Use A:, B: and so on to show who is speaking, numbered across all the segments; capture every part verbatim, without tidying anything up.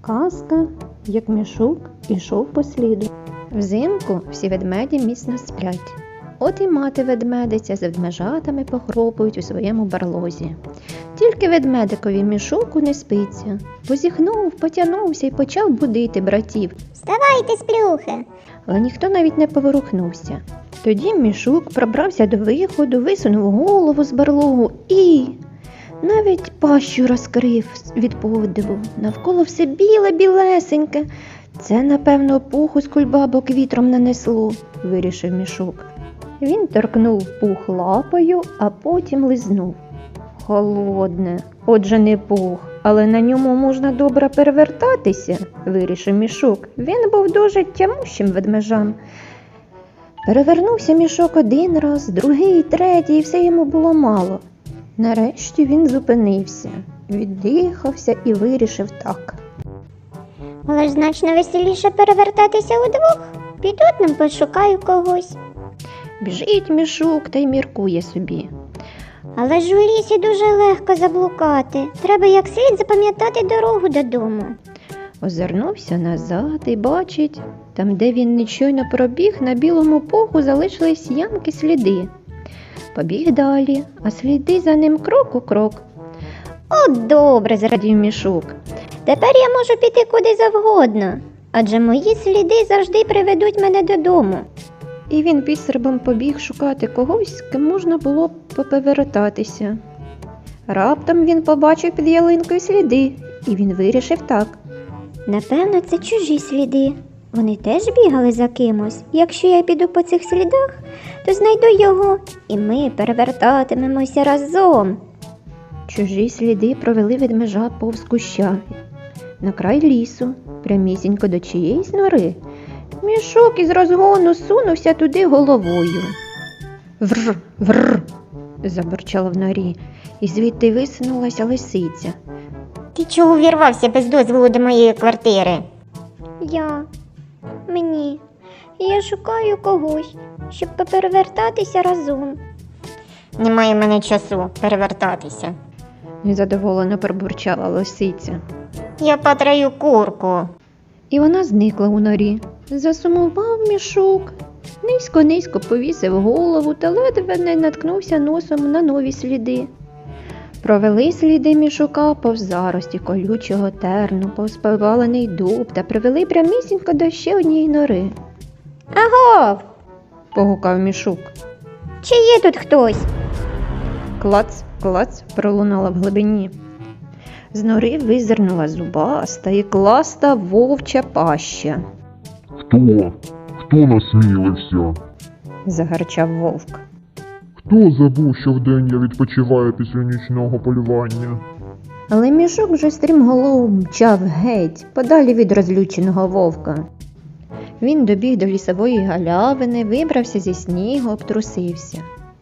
A: Казка, як мішок ішов по сліду. Взимку всі ведмеді міцно сплять. От і мати ведмедиця з ведмежатами похропують у своєму барлозі. Тільки ведмедикові мішоку не спиться. Позіхнув, потягнувся і почав будити братів.
B: Вставайте, сплюхи!
A: Але ніхто навіть не поворухнувся. Тоді мішок пробрався до виходу, висунув голову з барлогу і... навіть пащу розкрив від подиву. Навколо все біле-білесеньке. Це, напевно, пуху з кульбабок вітром нанесло, вирішив мішок. Він торкнув пух лапою, а потім лизнув. Холодне, отже не пух, але на ньому можна добре перевертатися, вирішив мішок. Він був дуже тямущим ведмежам. Перевернувся мішок один раз, другий, третій, і все йому було мало. Нарешті він зупинився, віддихався і вирішив так.
B: Але ж значно веселіше перевертатися удвох. Піду нам пошукаю когось.
A: Біжить мішок та й міркує собі.
B: Але ж у лісі дуже легко заблукати. Треба як слід запам'ятати дорогу додому.
A: Озирнувся назад і бачить, там, де він нечойно пробіг, на білому пуху залишились ямки сліди. Побіг далі, а сліди за ним крок у крок.
B: От добре, зрадів мішок. Тепер я можу піти куди завгодно, адже мої сліди завжди приведуть мене додому.
A: І він пісербом побіг шукати когось, з ким можна було б поповертатися. Раптом він побачив під ялинкою сліди, і він вирішив так.
B: Напевно, це чужі сліди. Вони теж бігали за кимось. Якщо я піду по цих слідах, то знайду його, і ми перевертатимемося разом.
A: Чужі сліди провели ведмежа повз куща, на край лісу, прямісінько до чиєїсь нори. Мішок із розгону сунувся туди головою. «Врр, врр!» – забурчало в норі, і звідти висунулася лисиця.
B: Ти чого увірвався без дозволу до моєї квартири? Я. Мені. Я шукаю когось, щоб поперевертатися разом. Немає в мене часу перевертатися.
A: Незадоволено пробурчала лисиця.
B: Я потраю курку.
A: І вона зникла у норі. Засумував мішок, низько-низько повісив голову та ледве не наткнувся носом на нові сліди. Провели сліди мішука повз зарості колючого терну, повз повалений дуб та привели прямісінько до ще однієї нори.
B: Агов!
A: Погукав мішок.
B: Чи є тут хтось?
A: Клац, клац пролунала в глибині. З нори визирнула зубаста і класта вовча паща.
C: Хто? Хто насмілився?
A: Загарчав вовк.
C: Хто забув, що вдень я відпочиваю після нічного полювання?
A: Але мішок вже стрімголов мчав геть, подалі від розлюченого вовка. Він добіг до лісової галявини, вибрався зі снігу, обтрусився.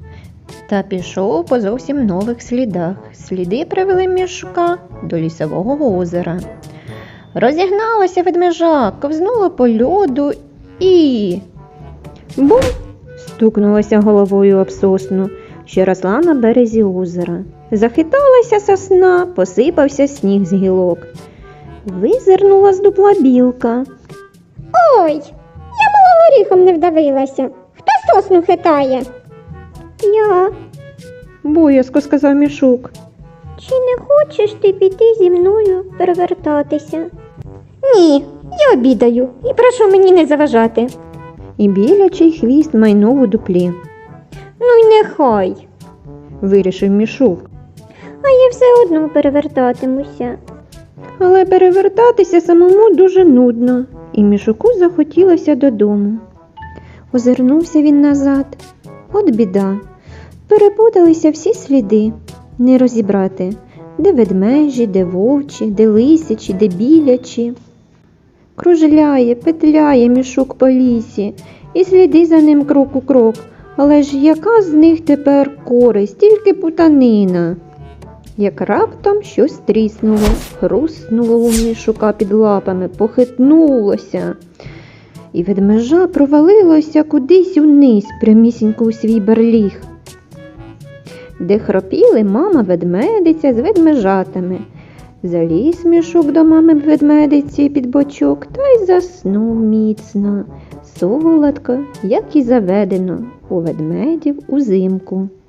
A: Та пішов по зовсім нових слідах. Сліди привели мішка до лісового озера. Розігналася ведмежа, ковзнула по льоду і... Бум! Стукнулася головою об сосну, що росла на березі озера. Захиталася сосна, посипався сніг з гілок. Визирнула з дупла білка.
B: Ой, я мало горіхом не вдавилася. Хто сосну хитає? Я.
A: Боязко сказав мішок.
B: Чи не хочеш ти піти зі мною перевертатися? Ні, я обідаю і прошу мені не заважати.
A: І білячий хвіст майнув у дуплі.
B: Ну й нехай.
A: Вирішив мішок.
B: А я все одно перевертатимуся.
A: Але перевертатися самому дуже нудно, і мішуку захотілося додому. Озирнувся він назад. От біда. Перепуталися всі сліди. Не розібрати, де ведмежі, де вовчі, де лисячі, де білячі. Кружляє, петляє мішок по лісі, і сліди за ним крок у крок. Але ж яка з них тепер користь, тільки путанина. Як раптом щось тріснуло, хруснуло у мішука під лапами, похитнулося. І ведмежа провалилося кудись униз, прямісінько у свій барліг, де хропіли мама ведмедиця з ведмежатами. Заліз мішок до мами ведмедиці під бочок та й заснув міцно, солодко, як і заведено у ведмедів узимку.